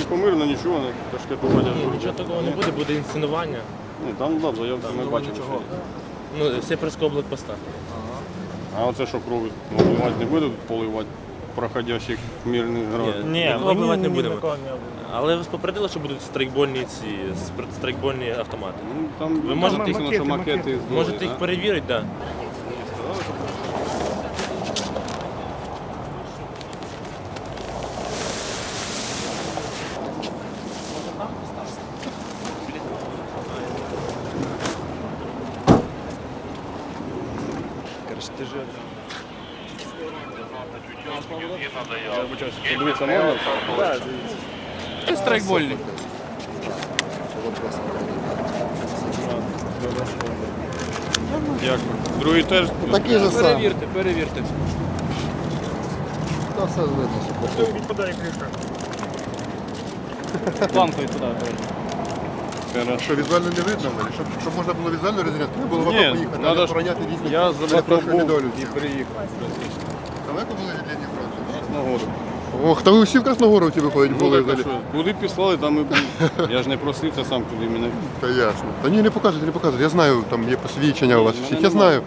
типу мирно, нічого, не кашкетування. Нічого такого не буде, буде інсценування. Ні, там да, заявки ми бачимо. Ну, сепарського блокпоста. А оце що крові? Поливати не будуть поливати проходящих мирних граждан? Ні, нікого вбивати не будемо. Але вас попередили, що будуть страйкбольні страйкбольні автомати. Ну, там Ви можете їх, написано, що макети здорові, можете їх перевірити, так. Да. Короче, ти же... Я вибачаюсь, подивитися можна? Так, дивіться. Це страйкбольник. Дякую. Другий теж? Такий же самий. Перевірте. Та все видно, що похоже. Відпадає кришка. Планкою туди. Що, візуально не видно? Щоб можна було візуально розрізняти, треба було в Ні, АТО поїхати, надо а ж- охороняти різні Я перепрошую був недолюдки. і приїхав. Далеко були від лінії фронту? Красногору. Ох, та ви всі в Красногоровці виходять були Ну, так, а взагалі. що, куди післали, там і був. Я ж не просив, це сам туди мене. Та ясно. Та ні, не показуйте, не показуйте. Я знаю, там є посвідчення у вас всіх, я знаю.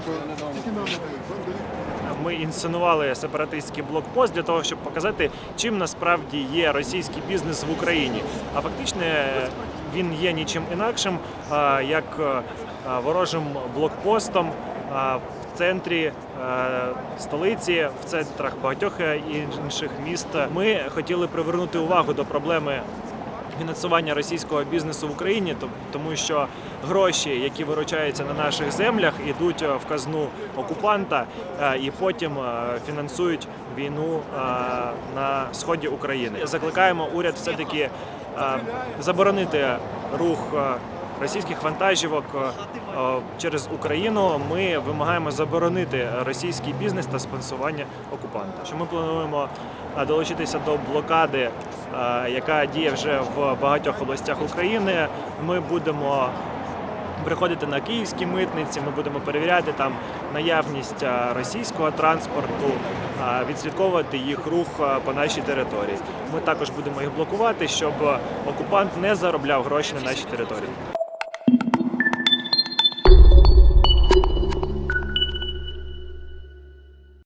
Ми інсценували сепаратистський блокпост для того, щоб показати, чим насправді є російський бізнес в Україні. А фактично він є нічим інакшим, як ворожим блокпостом в центрі столиці, в центрах багатьох інших міст. Ми хотіли привернути увагу до проблеми фінансування російського бізнесу в Україні, тому що гроші, які виручаються на наших землях, йдуть в казну окупанта і потім фінансують війну на сході України. Закликаємо уряд все-таки заборонити рух російських вантажівок через Україну. Ми вимагаємо заборонити російський бізнес та спонсорування окупанта. Що ми плануємо долучитися до блокади, яка діє вже в багатьох областях України. Ми будемо приходити на київські митниці, ми будемо перевіряти там наявність російського транспорту, відслідковувати їх рух по нашій території. Ми також будемо їх блокувати, щоб окупант не заробляв гроші на нашій території.